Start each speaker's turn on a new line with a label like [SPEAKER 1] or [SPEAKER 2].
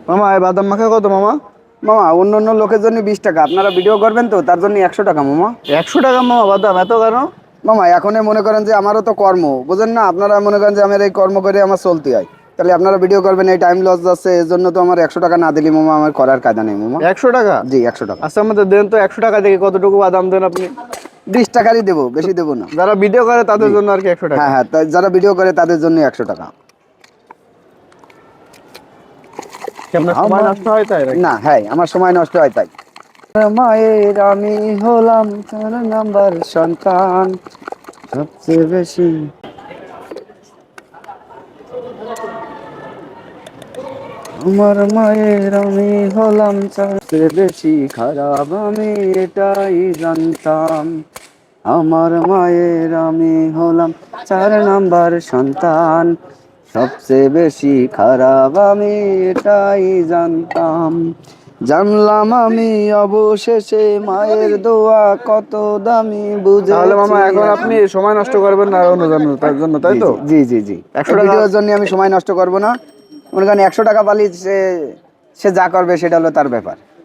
[SPEAKER 1] মামা এই বাদাম মাখা কত মামা?
[SPEAKER 2] মামা অন্য অন্য লোকের জন্য 20 টাকা, আপনারা ভিডিও করবেন তো তার জন্য 100 টাকা মামা।
[SPEAKER 1] 100 টাকা মামা বাদাম এত কেন?
[SPEAKER 2] মামা এখনই মনে করেন যে আমারও তো কর্ম, বুঝেন না, আপনারা মনে করেন যে আমার এই কর্ম করে আমার চলতে হয়, তাহলে আপনারা ভিডিও করবেন, এই টাইম লস যাচ্ছে, এর জন্য তো আমার 100 টাকা না দিলে মামা আমার করার কায়দা নেই মামা।
[SPEAKER 1] 100 টাকা?
[SPEAKER 2] জি 100 টাকা।
[SPEAKER 1] আচ্ছা আমাদের দেন তো 100 টাকা থেকে কতটুকু বাদাম দেন আপনি?
[SPEAKER 2] 20 টাকারই দেবো, বেশি দেবো না।
[SPEAKER 1] যারা ভিডিও করে তাদের
[SPEAKER 2] জি
[SPEAKER 1] জন্য আর কি 100 টাকা।
[SPEAKER 2] হ্যাঁ হ্যাঁ, তাই যারা ভিডিও করে তাদের জন্য 100 টাকা।
[SPEAKER 1] কি আপনার সময়
[SPEAKER 2] আমার
[SPEAKER 1] নষ্ট হয় তাই নাকি?
[SPEAKER 2] না, হ্যাঁ আমার সময় নষ্ট হয় তাই। মায়ের আমি হলাম 4 নাম্বার সন্তান, সবচেয়ে বেশি। আমার মায়ের আমি হলাম সবচেয়ে বেশি খারাপ, আমি এটাই জানতাম। আমার মায়ের আমি হলাম 4 নাম্বার সন্তান, সবচেয়ে বেশি খারাপ, আমি এটাই জানতাম। জানলাম আমি অবশেষে মায়ের দোয়া কত দামি,
[SPEAKER 1] তাহলে মামা
[SPEAKER 2] বুঝেছি
[SPEAKER 1] এখন আপনি
[SPEAKER 2] এখন।
[SPEAKER 1] সময় নষ্ট করবেন না অন্য জন্য তার জন্য, তাই
[SPEAKER 2] জি
[SPEAKER 1] তো?
[SPEAKER 2] জি জি জি জি।
[SPEAKER 1] একশো
[SPEAKER 2] এই
[SPEAKER 1] টাকা
[SPEAKER 2] ভিডিওর জন্য আমি সময় নষ্ট করব না। মনে করেন 100 টাকা পালি, সে সে যা করবে সেটা হলো তার ব্যাপার।